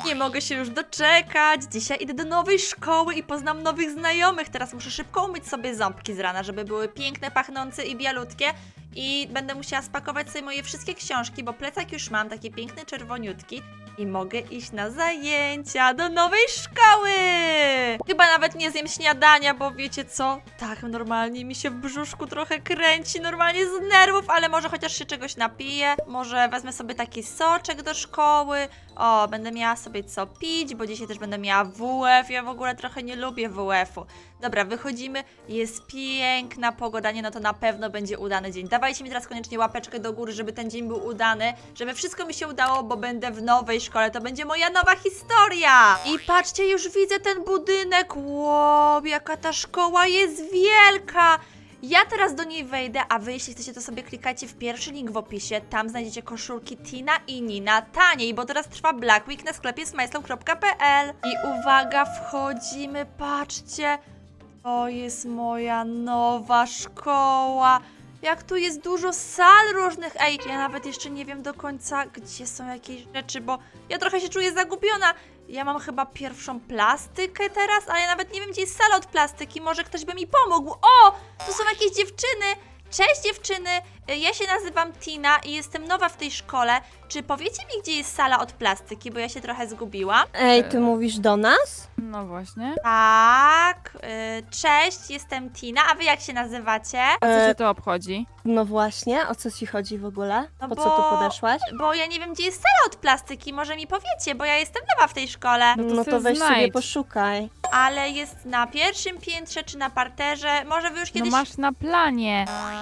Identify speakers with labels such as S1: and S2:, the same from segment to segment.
S1: Nie mogę się już doczekać. Dzisiaj idę do nowej szkoły i poznam nowych znajomych. Teraz muszę szybko umyć sobie ząbki z rana, żeby były piękne, pachnące i bialutkie. I będę musiała spakować sobie moje wszystkie książki, bo plecak już mam, taki piękny, czerwoniutki. I mogę iść na zajęcia do nowej szkoły! Chyba nawet nie zjem śniadania, bo wiecie co? Tak, normalnie mi się w brzuszku trochę kręci, normalnie z nerwów, ale może chociaż się czegoś napiję. Może wezmę sobie taki soczek do szkoły. O, będę miała sobie co pić, bo dzisiaj też będę miała WF. Ja w ogóle trochę nie lubię WF-u. Dobra, wychodzimy. Jest piękna pogoda, nie no to na pewno będzie udany dzień. Dawajcie mi teraz koniecznie łapeczkę do góry, żeby ten dzień był udany, żeby wszystko mi się udało, bo będę w nowej szkole. To będzie moja nowa historia. I patrzcie, już widzę ten budynek. Wow, jaka ta szkoła jest wielka. Ja teraz do niej wejdę, a wy jeśli chcecie to sobie klikajcie w pierwszy link w opisie, tam znajdziecie koszulki Tina i Nina taniej, bo teraz trwa Black Week na sklepie smajslą.pl. I uwaga, wchodzimy, patrzcie, to jest moja nowa szkoła. Jak tu jest dużo sal różnych. Ej, ja nawet jeszcze nie wiem do końca, gdzie są jakieś rzeczy, bo ja trochę się czuję zagubiona. Ja mam chyba pierwszą plastykę teraz, ale ja nawet nie wiem, gdzie jest sala od plastyki. Może ktoś by mi pomógł. O! Tu są jakieś dziewczyny. Cześć dziewczyny, ja się nazywam Tina i jestem nowa w tej szkole. Czy powiecie mi, gdzie jest sala od plastyki, bo ja się trochę zgubiłam?
S2: Ej, ty mówisz do nas?
S3: No właśnie.
S1: Tak, cześć, jestem Tina, a wy jak się nazywacie?
S3: A co cię to obchodzi?
S2: No właśnie, o co ci chodzi w ogóle?
S1: No
S2: Po
S1: bo-
S2: co tu podeszłaś?
S1: Bo ja nie wiem, gdzie jest sala od plastyki, może mi powiecie, bo ja jestem nowa w tej szkole.
S3: No to
S2: No
S3: se
S2: to weź sobie
S3: znajdź.
S2: poszukaj.
S1: Ale jest na pierwszym piętrze czy na parterze, może wy już
S3: No
S1: kiedyś...
S3: masz na planie.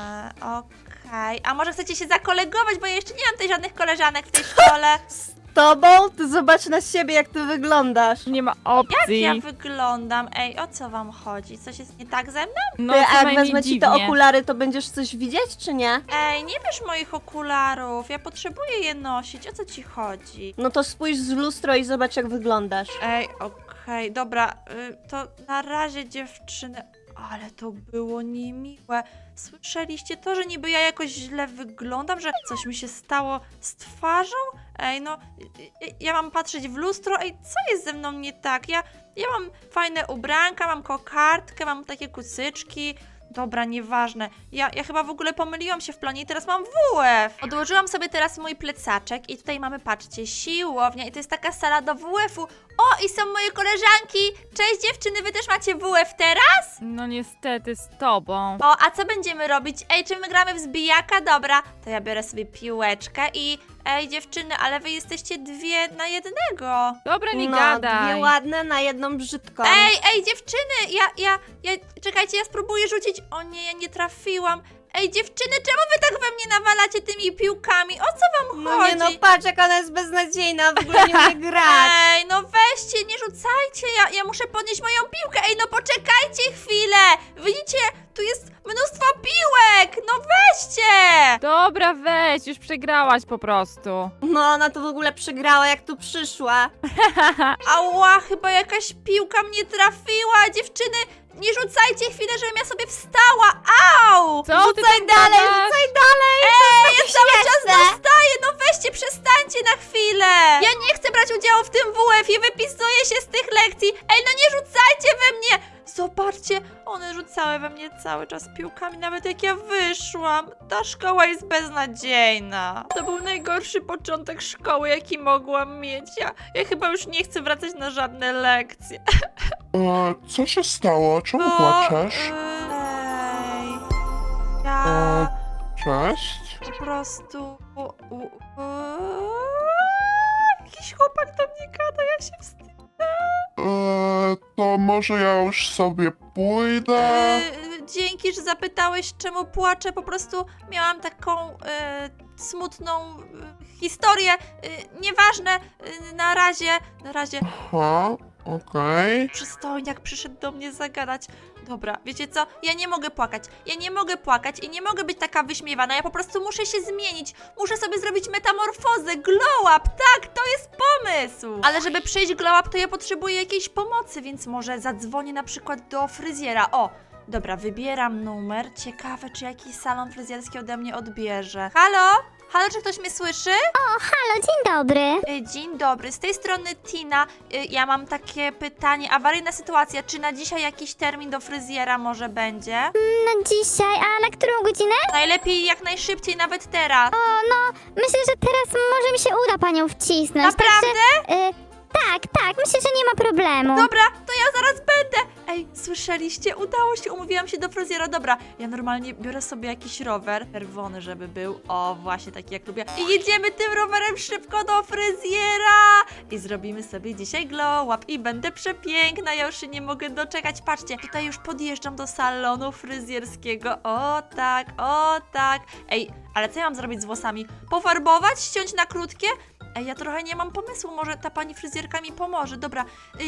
S1: Okej, a może chcecie się zakolegować, bo ja jeszcze nie mam tutaj żadnych koleżanek w tej szkole.
S2: Z tobą? Ty zobacz na siebie, jak ty wyglądasz.
S3: Nie ma
S1: Jak
S3: opcji.
S1: ja wyglądam? Ej, o co wam chodzi? Coś jest nie tak ze mną?
S3: No
S2: Ty,
S3: co
S2: a jak
S3: najmniej
S2: wezmę ci te
S3: dziwnie.
S2: okulary, to będziesz coś widzieć, czy nie?
S1: Ej, nie bierz moich okularów, ja potrzebuję je nosić, o co ci chodzi?
S2: No to spójrz w lustro i zobacz, jak wyglądasz.
S1: Ej, okej, dobra, to na razie dziewczyny, ale to było niemiłe. Słyszeliście to, że niby ja jakoś źle wyglądam, że coś mi się stało z twarzą? Ej, no, ja mam patrzeć w lustro, ej, co jest ze mną nie tak? Ja mam fajne ubranka, mam kokardkę, mam takie kucyczki. Dobra, nieważne. Ja chyba w ogóle pomyliłam się w planie i teraz mam WF. Odłożyłam sobie teraz mój plecaczek i tutaj mamy, patrzcie, siłownia i to jest taka sala do WF-u. O, i są moje koleżanki. Cześć dziewczyny, wy też macie WF teraz?
S3: No niestety z tobą.
S1: O, a co będziemy robić? Ej, czy my gramy w zbijaka? Dobra, to ja biorę sobie piłeczkę i... Ej, dziewczyny, ale wy jesteście dwie na jednego.
S3: Dobra, nie
S2: No,
S3: gadaj.
S2: dwie ładne na jedną brzydką.
S1: Ej, dziewczyny, czekajcie, ja spróbuję rzucić. O nie, ja nie trafiłam. Ej, dziewczyny, czemu wy tak we mnie nawalacie tymi piłkami? O co wam
S2: No
S1: chodzi?
S2: nie no, patrz, jak ona jest beznadziejna, w ogóle nie umie grać.
S1: Ej, no weźcie, nie rzucajcie, ja muszę podnieść moją piłkę. Ej, no poczekajcie chwilę. Widzicie, tu jest mnóstwo piłek. No weźcie.
S3: Dobra, weź, już przegrałaś po prostu.
S2: No ona to w ogóle przegrała, jak tu przyszła.
S1: Ała, chyba jakaś piłka mnie trafiła. Dziewczyny, nie rzucajcie chwilę, żebym ja sobie wstała. Au!
S3: Co ty
S2: Rzucaj
S3: tam
S2: dalej,
S3: gadasz?
S2: rzucaj dalej!
S1: Ej, ja cały czas
S2: śmieszne.
S1: dostaję, no weźcie, przestańcie na chwilę. Ja nie chcę brać udziału w tym WF-ie, wypisuję się z tych lekcji. Ej, no nie rzucajcie we mnie. Zobaczcie, one rzucały we mnie cały czas piłkami, nawet jak ja wyszłam. Ta szkoła jest beznadziejna. To był najgorszy początek szkoły, jaki mogłam mieć. Ja chyba już nie chcę wracać na żadne lekcje.
S4: Co się stało? Czemu
S1: Bo,
S4: płaczesz?
S1: Ej, ja
S4: Cześć.
S1: po prostu... Jakiś chłopak do mnie gada, ja się wstydzę.
S4: To może ja już sobie pójdę?
S1: Dzięki, że zapytałeś, czemu płaczę. Po prostu miałam taką smutną historię. Nieważne, na razie
S4: Aha, okej.
S1: przystojniak przyszedł do mnie zagadać. Dobra, wiecie co? Ja nie mogę płakać. Ja nie mogę płakać i nie mogę być taka wyśmiewana. Ja po prostu muszę się zmienić. Muszę sobie zrobić metamorfozę, glow up. Tak, to jest pomysł. Ale żeby przejść glow up, to ja potrzebuję jakiejś pomocy, więc może zadzwonię na przykład do fryzjera. O, dobra, wybieram numer. Ciekawe, czy jakiś salon fryzjerski ode mnie odbierze. Halo? Halo, czy ktoś mnie słyszy?
S5: Halo, dzień dobry.
S1: Dzień dobry, z tej strony Tina. Ja mam takie pytanie, awaryjna sytuacja, czy na dzisiaj jakiś termin do fryzjera może będzie?
S5: No dzisiaj, a na którą godzinę?
S1: Najlepiej jak najszybciej, nawet teraz.
S5: Myślę, że teraz może mi się uda panią wcisnąć.
S1: Naprawdę?
S5: Także, tak, myślę, że nie ma problemu.
S1: Dobra, to ja zaraz będę. Ej, słyszeliście? Udało się, umówiłam się do fryzjera. Dobra, ja normalnie biorę sobie jakiś rower, czerwony żeby był. O, właśnie taki jak lubię. I jedziemy tym rowerem szybko do fryzjera. I zrobimy sobie dzisiaj glow up. I będę przepiękna, ja już się nie mogę doczekać. Patrzcie, tutaj już podjeżdżam do salonu fryzjerskiego. O tak, o tak. Ej, ale co ja mam zrobić z włosami? Pofarbować? Ściąć na krótkie? Ej, ja trochę nie mam pomysłu, może ta pani fryzjerka mi pomoże. Dobra,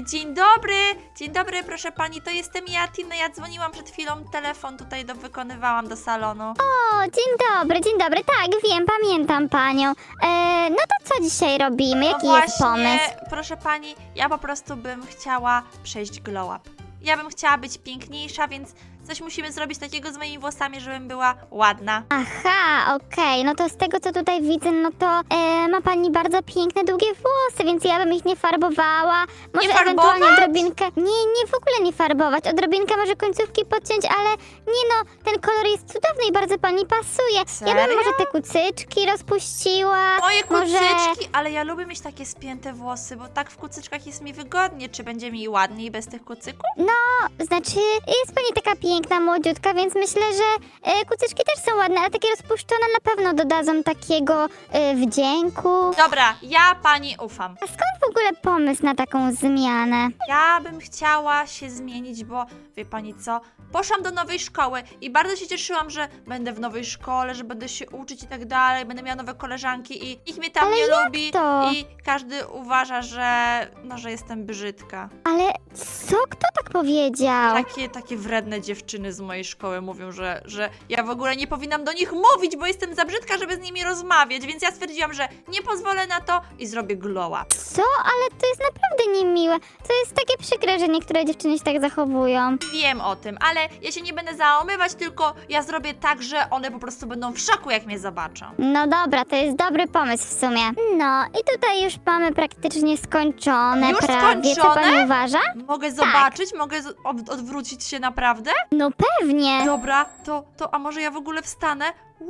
S1: dzień dobry, proszę pani, to jestem ja, Tina, ja dzwoniłam przed chwilą, telefon tutaj wykonywałam do salonu.
S5: O, dzień dobry, tak, wiem, pamiętam panią. No to co dzisiaj robimy? Jaki
S1: No
S5: jest pomysł?
S1: proszę pani, ja po prostu bym chciała przejść glow up. Ja bym chciała być piękniejsza, więc coś musimy zrobić takiego z moimi włosami, żebym była ładna.
S5: Aha, okej, no to z tego co tutaj widzę, no to ma pani bardzo piękne, długie włosy, więc ja bym ich nie farbowała. Może
S1: Nie
S5: ewentualnie
S1: farbować?
S5: odrobinkę. Nie, w ogóle nie farbować. Odrobinkę może końcówki podciąć, ale nie no, ten kolor jest cudowny i bardzo pani pasuje. Ja
S1: Serio?
S5: bym może te kucyczki rozpuściła.
S1: Moje
S5: Może-
S1: kucyczki, ale ja lubię mieć takie spięte włosy, bo tak w kucyczkach jest mi wygodnie. Czy będzie mi ładniej bez tych kucyków?
S5: Znaczy, jest pani taka piękna, młodziutka, więc myślę, że kucyczki też są ładne, ale takie rozpuszczone na pewno dodadzą takiego wdzięku.
S1: Dobra, ja pani ufam.
S5: A skąd w ogóle pomysł na taką zmianę?
S1: Ja bym chciała się zmienić, bo wie pani co? Poszłam do nowej szkoły i bardzo się cieszyłam, że będę w nowej szkole, że będę się uczyć i tak dalej, będę miała nowe koleżanki i nikt mnie tam
S5: Ale
S1: nie
S5: jak
S1: lubi
S5: to?
S1: i każdy uważa, że jestem brzydka.
S5: Ale co? Kto tak powiedział?
S1: Takie wredne dziewczyny z mojej szkoły mówią, że ja w ogóle nie powinnam do nich mówić, bo jestem za brzydka, żeby z nimi rozmawiać, więc ja stwierdziłam, że nie pozwolę na to i zrobię glow up.
S5: Co? Ale to jest naprawdę niemiłe. To jest takie przykre, że niektóre dziewczyny się tak zachowują.
S1: Wiem o tym, ale ja się nie będę załamywać, tylko ja zrobię tak, że one po prostu będą w szoku, jak mnie zobaczą.
S5: No dobra, to jest dobry pomysł w sumie. No i tutaj już mamy praktycznie skończone
S1: Już
S5: prawie. Co
S1: skończone?
S5: pani uważa?
S1: Mogę zobaczyć? Mogę odwrócić się naprawdę?
S5: No pewnie.
S1: Dobra, a może ja w ogóle wstanę?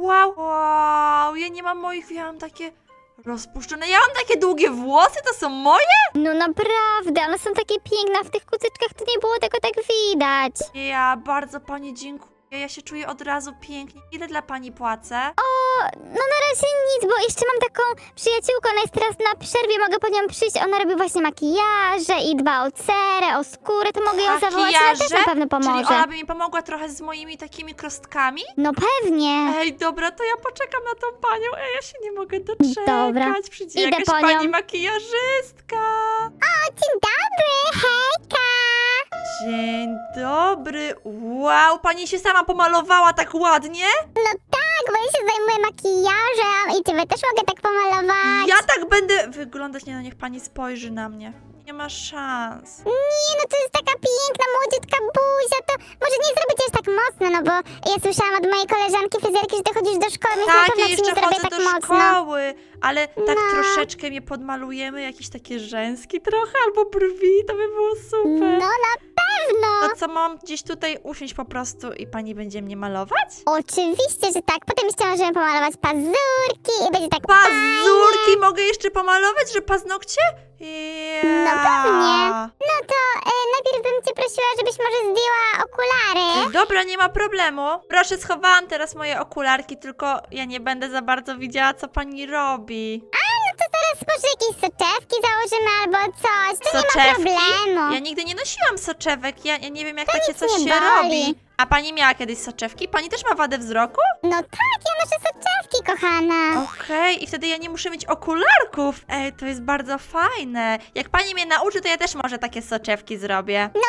S1: Wow, ja nie mam moich, ja mam takie rozpuszczone, ja mam takie długie włosy, to są moje?
S5: No naprawdę, one są takie piękne, a w tych kucyczkach to nie było tego tak widać.
S1: Ja bardzo pani dziękuję, ja się czuję od razu pięknie. Ile dla pani płacę?
S5: No na razie nic, bo jeszcze mam taką przyjaciółkę, ona jest teraz na przerwie, mogę po nią przyjść, ona robi właśnie makijaże i dba o cerę, o skórę, to mogę ją zawołać, ona też na pewno
S1: Czyli
S5: pomoże.
S1: ona by mi pomogła trochę z moimi takimi krostkami?
S5: No pewnie.
S1: Ej, dobra, to ja poczekam na tą panią. Ej, ja się nie mogę doczekać.
S5: Dobra.
S1: Przyjdzie
S5: Idę
S1: jakaś
S5: po nią.
S1: pani makijażystka.
S5: Dzień dobry, hejka!
S1: Dzień dobry. Wow, pani się sama pomalowała tak ładnie?
S5: Tak, bo ja się zajmuję makijażem i ciebie też mogę tak pomalować.
S1: Ja tak będę wyglądać. Nie no, niech pani spojrzy na mnie. Nie ma szans.
S5: Nie, no to jest taka piękna, młodziutka buzia, to może nie zrobić aż tak mocno, no bo ja słyszałam od mojej koleżanki fryzjerki, że ty chodzisz do szkoły, więc na
S1: Tak,
S5: pewno
S1: ja
S5: ci
S1: jeszcze
S5: nie zrobię
S1: chodzę
S5: tak
S1: do
S5: mocno.
S1: szkoły, ale tak
S5: No.
S1: troszeczkę mnie podmalujemy, jakieś takie rzęski trochę, albo brwi, to by było super.
S5: No na pewno.
S1: To co, mam gdzieś tutaj usiąść po prostu i pani będzie mnie malować?
S5: Oczywiście, że tak. Potem jeszcze możemy pomalować pazurki i będzie tak
S1: Pazurki mogę jeszcze pomalować, że paznokcie?
S5: No pewnie. No to najpierw bym cię prosiła, żebyś może zdjęła okulary.
S1: Dobra, nie ma problemu. Proszę, schowałam teraz moje okularki, tylko ja nie będę za bardzo widziała, co pani robi.
S5: No to zaraz może jakieś soczewki założymy albo coś. To nie ma
S1: Soczewki?
S5: problemu.
S1: Ja nigdy nie nosiłam soczewek, ja nie wiem, jak
S5: To
S1: takie
S5: nic
S1: coś
S5: nie
S1: się
S5: boli.
S1: robi. A pani miała kiedyś soczewki? Pani też ma wadę wzroku?
S5: No tak, ja noszę soczewki, kochana.
S1: Okej, i wtedy ja nie muszę mieć okularków. Ej, to jest bardzo fajne. Jak pani mnie nauczy, to ja też może takie soczewki zrobię.
S5: No pewnie,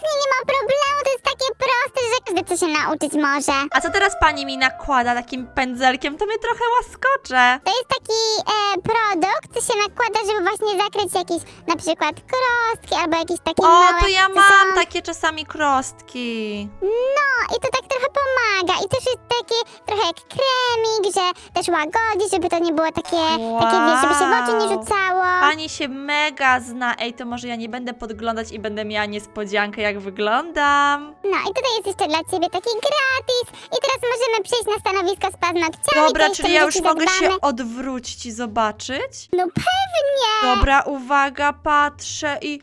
S5: Jasnie, nie ma problemu, to jest takie proste, że każdy co się nauczyć może.
S1: A co teraz pani mi nakłada takim pędzelkiem? To mnie trochę łaskocze.
S5: To jest taki produkt, co się nakłada, żeby właśnie zakryć jakieś na przykład krostki albo jakieś takie
S1: O,
S5: małe...
S1: to ja
S5: co
S1: mam
S5: są-
S1: takie czasami krostki.
S5: No i to tak trochę pomaga i też jest taki trochę jak kremik, że też łagodzi, żeby to nie było takie, wiesz, żeby się w oczy nie rzucało.
S1: Pani się mega zna. Ej, to może ja nie będę podglądać i będę miała niespodziankę, jak wyglądam.
S5: No i tutaj jest jeszcze dla ciebie taki gratis i teraz możemy przejść na stanowisko z paznokciami.
S1: Dobra,
S5: to jeszcze
S1: czyli ja
S5: będzie
S1: już
S5: ci
S1: mogę
S5: zadbane.
S1: się odwrócić i zobaczyć?
S5: No pewnie!
S1: Dobra, uwaga, patrzę i...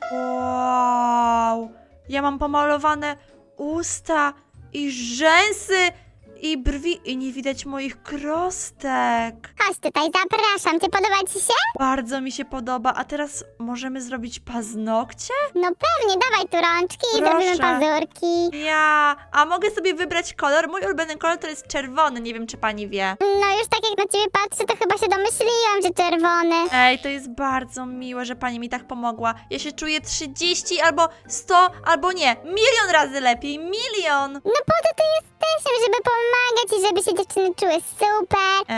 S1: Wow! Ja mam pomalowane usta i rzęsy i brwi i nie widać moich krostek.
S5: Chodź tutaj, zapraszam. Cię podoba ci się?
S1: Bardzo mi się podoba. A teraz możemy zrobić paznokcie?
S5: No pewnie, dawaj tu rączki i
S1: Proszę.
S5: zrobimy pazurki.
S1: A mogę sobie wybrać kolor? Mój ulubiony kolor to jest czerwony, nie wiem czy pani wie.
S5: No już tak jak na ciebie patrzę, to chyba się domyśliłam, że czerwony.
S1: Ej, to jest bardzo miłe, że pani mi tak pomogła. Ja się czuję 30 albo 100 albo nie, 1 000 000 razy lepiej, 1 000 000.
S5: No po to tu jesteśmy, żeby pomagać i żeby się dziewczyny czuły super.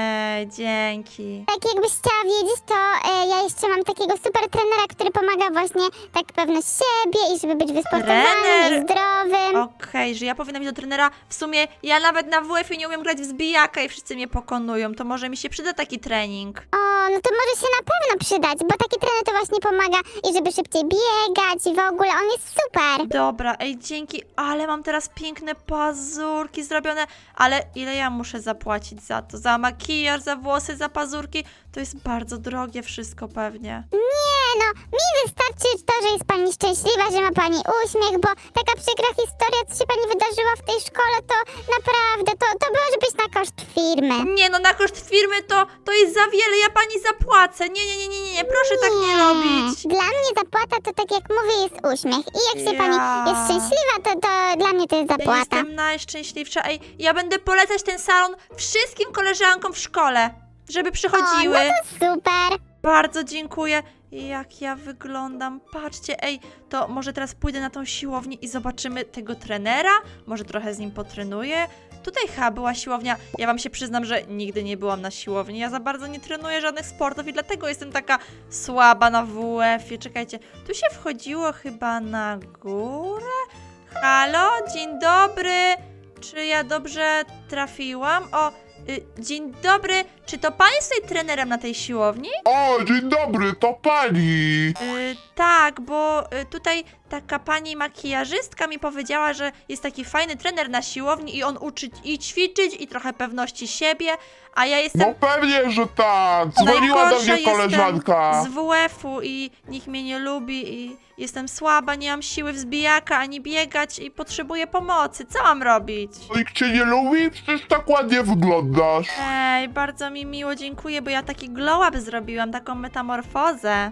S1: Dzięki.
S5: Tak jakbyś chciała wiedzieć, to ja jeszcze mam takiego super trenera, który pomaga właśnie tak pewność siebie i żeby być wysportowanym
S1: Trener?
S5: i zdrowym.
S1: Okej, że ja powinnam iść do trenera. W sumie ja nawet na WF-ie nie umiem grać w zbijaka i wszyscy mnie pokonują. To może mi się przyda taki trening.
S5: O, no to może się na pewno przydać, bo taki trener to właśnie pomaga i żeby szybciej biegać i w ogóle, on jest super.
S1: Dobra, dzięki, ale mam teraz piękne pazurki zrobione, ale ile ja muszę zapłacić za to? Za makijaż, za włosy, za pazurki? To jest bardzo drogie wszystko pewnie.
S5: Nie no, mi wystarczy to, że jest pani szczęśliwa, że ma pani uśmiech, bo taka przykra historia, co się pani wydarzyła w tej szkole, to naprawdę, to może być na koszt firmy.
S1: Nie no, na koszt firmy to jest za wiele, ja pani zapłacę. Nie, proszę tak nie robić.
S5: Dla mnie zapłata to tak jak mówię jest uśmiech i jak się pani jest szczęśliwa, to dla mnie to jest
S1: Ja
S5: zapłata.
S1: jestem najszczęśliwsza. Ja będę polecać ten salon wszystkim koleżankom w szkole, żeby przychodziły.
S5: O, no to super.
S1: Bardzo dziękuję. Jak ja wyglądam. Patrzcie, to może teraz pójdę na tą siłownię i zobaczymy tego trenera. Może trochę z nim potrenuję. Tutaj chyba była siłownia. Ja wam się przyznam, że nigdy nie byłam na siłowni. Ja za bardzo nie trenuję żadnych sportów i dlatego jestem taka słaba na WF-ie. Czekajcie, tu się wchodziło chyba na górę? Halo, dzień dobry. Czy ja dobrze trafiłam? Dzień dobry. Czy to pan jest tutaj trenerem na tej siłowni?
S4: O, dzień dobry, to pani.
S1: Tak, bo tutaj taka pani makijażystka mi powiedziała, że jest taki fajny trener na siłowni i on uczy i ćwiczyć i trochę pewności siebie, a ja jestem
S4: No pewnie, że tak. Dzwoniła do
S1: najgorsza
S4: mnie koleżanka.
S1: jestem z WF-u i nikt mnie nie lubi i jestem słaba, nie mam siły wzbijaka ani biegać i potrzebuję pomocy. Co mam robić?
S4: Nikt cię nie lubi? Przecież tak ładnie wyglądasz.
S1: Bardzo mi miło, dziękuję, bo ja taki glow up zrobiłam, taką metamorfozę.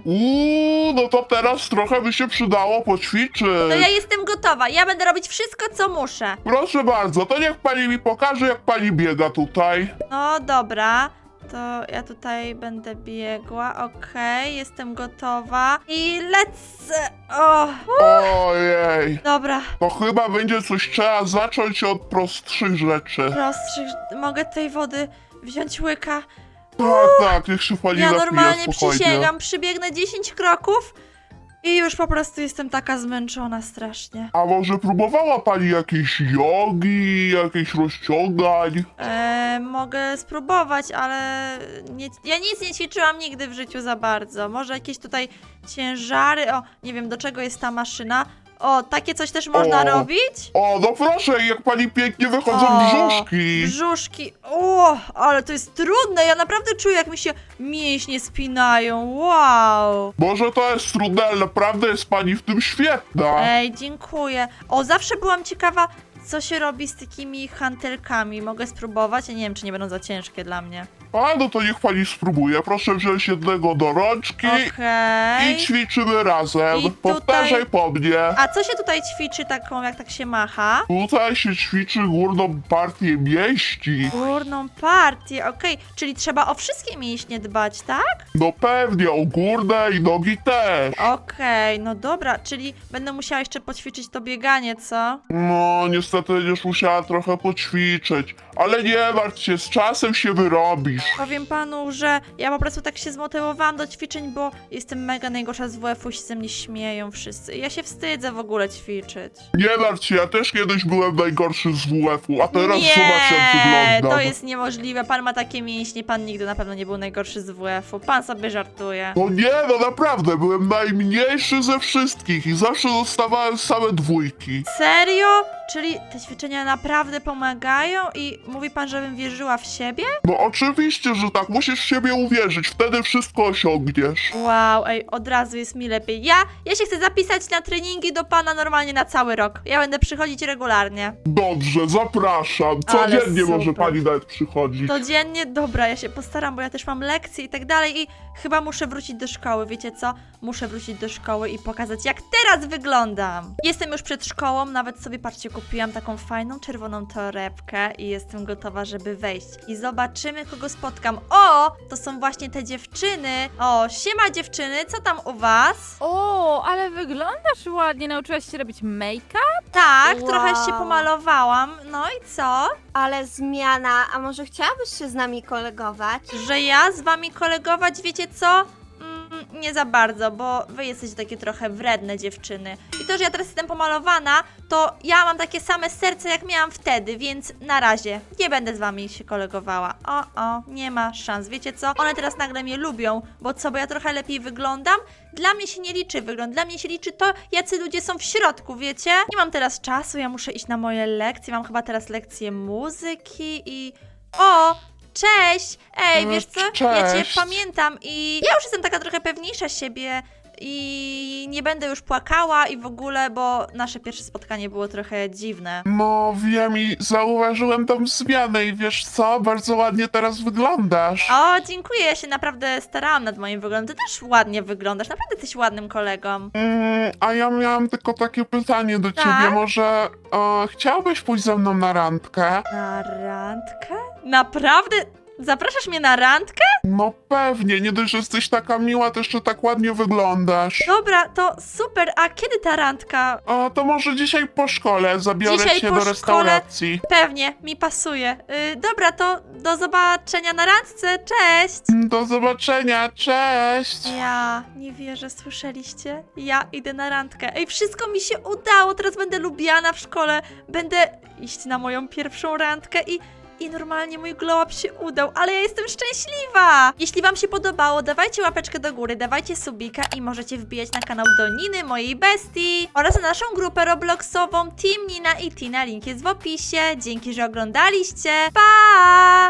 S4: No to teraz trochę by się przydało poćwiczyć.
S1: No ja jestem gotowa, ja będę robić wszystko, co muszę.
S4: Proszę bardzo, to niech pani mi pokaże, jak pani biega tutaj.
S1: No dobra, to ja tutaj będę biegła, okej, jestem gotowa i lecę. O,
S4: Ojej,
S1: dobra,
S4: to chyba będzie coś trzeba zacząć od prostszych rzeczy.
S1: prostszych, mogę tej wody wziąć łyka.
S4: Tak, niech się pani
S1: Ja
S4: napije
S1: normalnie
S4: spokojnie.
S1: przysięgam, przybiegnę 10 kroków i już po prostu jestem taka zmęczona strasznie.
S4: A może próbowała pani jakiejś jogi, jakichś rozciągań?
S1: Mogę spróbować, ale ja nic nie ćwiczyłam nigdy w życiu za bardzo. Może jakieś tutaj ciężary, nie wiem do czego jest ta maszyna. Takie coś też można
S4: O.
S1: robić?
S4: O, no proszę, jak pani pięknie wychodzą brzuszki.
S1: Brzuszki, ale to jest trudne, ja naprawdę czuję jak mi się mięśnie spinają, wow.
S4: Może to jest trudne, ale naprawdę jest pani w tym świetna.
S1: Dziękuję. Zawsze byłam ciekawa, co się robi z takimi hantelkami. Mogę spróbować? Ja nie wiem, czy nie będą za ciężkie dla mnie.
S4: A, no to niech pani spróbuje. Proszę wziąć jednego do rączki
S1: Okej.
S4: i ćwiczymy razem.
S1: I tutaj-
S4: Powtarzaj po mnie.
S1: A co się tutaj ćwiczy taką, jak tak się macha?
S4: Tutaj się ćwiczy górną partię mięśni.
S1: Górną partię, okej. Czyli trzeba o wszystkie mięśnie dbać, tak?
S4: No pewnie, o górne i nogi też.
S1: Okej, no dobra, czyli będę musiała jeszcze poćwiczyć to bieganie, co?
S4: No, niestety będziesz musiała trochę poćwiczyć. Ale nie martw się, z czasem się wyrobisz.
S1: Powiem panu, że ja po prostu tak się zmotywowałam do ćwiczeń, bo jestem mega najgorsza z WF-u, się ze mnie śmieją wszyscy. Ja się wstydzę w ogóle ćwiczyć.
S4: Nie martw się, ja też kiedyś byłem najgorszy z WF-u, a teraz
S1: Nie,
S4: zobacz jak wyglądam.
S1: to jest niemożliwe. Pan ma takie mięśnie, pan nigdy na pewno nie był najgorszy z WF-u. Pan sobie żartuje.
S4: No nie, no naprawdę, byłem najmniejszy ze wszystkich i zawsze dostawałem same dwójki.
S1: Serio? Czyli te ćwiczenia naprawdę pomagają i mówi pan, żebym wierzyła w siebie?
S4: No oczywiście, że tak, musisz w siebie uwierzyć, wtedy wszystko osiągniesz.
S1: Wow, ej, od razu jest mi lepiej. Ja się chcę zapisać na treningi do pana normalnie na cały rok. Ja będę przychodzić regularnie.
S4: Dobrze, zapraszam.
S1: Ale
S4: Codziennie może
S1: super.
S4: pani nawet przychodzić.
S1: Codziennie? Dobra, ja się postaram, bo ja też mam lekcje i tak dalej i chyba muszę wrócić do szkoły, wiecie co? Muszę wrócić do szkoły i pokazać, jak teraz wyglądam. Jestem już przed szkołą, nawet sobie, patrzcie, kupiłam taką fajną czerwoną torebkę i jestem gotowa, żeby wejść. I zobaczymy, kogo spotkam. O, to są właśnie te dziewczyny. O, siema dziewczyny, co tam u was?
S3: O, ale wyglądasz ładnie. Nauczyłaś się robić make-up?
S1: Tak,
S2: Wow.
S1: trochę się pomalowałam. No i co?
S2: Ale zmiana, a może chciałabyś się z nami kolegować?
S1: Że ja z wami kolegować, wiecie co? Nie za bardzo, bo wy jesteście takie trochę wredne dziewczyny. I to, że ja teraz jestem pomalowana, to ja mam takie same serce, jak miałam wtedy, więc na razie nie będę z wami się kolegowała. Nie ma szans. Wiecie co? One teraz nagle mnie lubią, bo co, bo ja trochę lepiej wyglądam? Dla mnie się nie liczy wygląd, dla mnie się liczy to, jacy ludzie są w środku, wiecie? Nie mam teraz czasu, ja muszę iść na moje lekcje, mam chyba teraz lekcje muzyki i... O! Cześć! Ej, wiesz co? Ja cię
S4: Cześć.
S1: pamiętam i ja już jestem taka trochę pewniejsza siebie i nie będę już płakała i w ogóle, bo nasze pierwsze spotkanie było trochę dziwne.
S4: No wiem i zauważyłem tą zmianę i wiesz co, bardzo ładnie teraz wyglądasz.
S1: O, dziękuję, ja się naprawdę starałam nad moim wyglądem. Ty też ładnie wyglądasz, naprawdę jesteś ładnym kolegą.
S4: A ja miałam tylko takie pytanie do
S1: Tak?
S4: ciebie, może chciałbyś pójść ze mną na randkę?
S1: Na randkę? Naprawdę? Zapraszasz mnie na randkę?
S4: No pewnie, nie dość, że jesteś taka miła, to jeszcze tak ładnie wyglądasz.
S1: Dobra, to super, a kiedy ta randka?
S4: To może dzisiaj po szkole zabiorę
S1: Dzisiaj
S4: cię
S1: po
S4: do
S1: szkole?
S4: restauracji.
S1: Pewnie, mi pasuje. Dobra, to do zobaczenia na randce, cześć!
S4: Do zobaczenia, cześć!
S1: Ja nie wierzę, słyszeliście? Ja idę na randkę. Ej, wszystko mi się udało, teraz będę lubiana w szkole. Będę iść na moją pierwszą randkę i normalnie mój glow up się udał, ale ja jestem szczęśliwa! Jeśli wam się podobało, dawajcie łapeczkę do góry, dawajcie subika i możecie wbijać na kanał do Niny, mojej bestii oraz na naszą grupę robloxową Team Nina i Tina, link jest w opisie. Dzięki, że oglądaliście. Pa!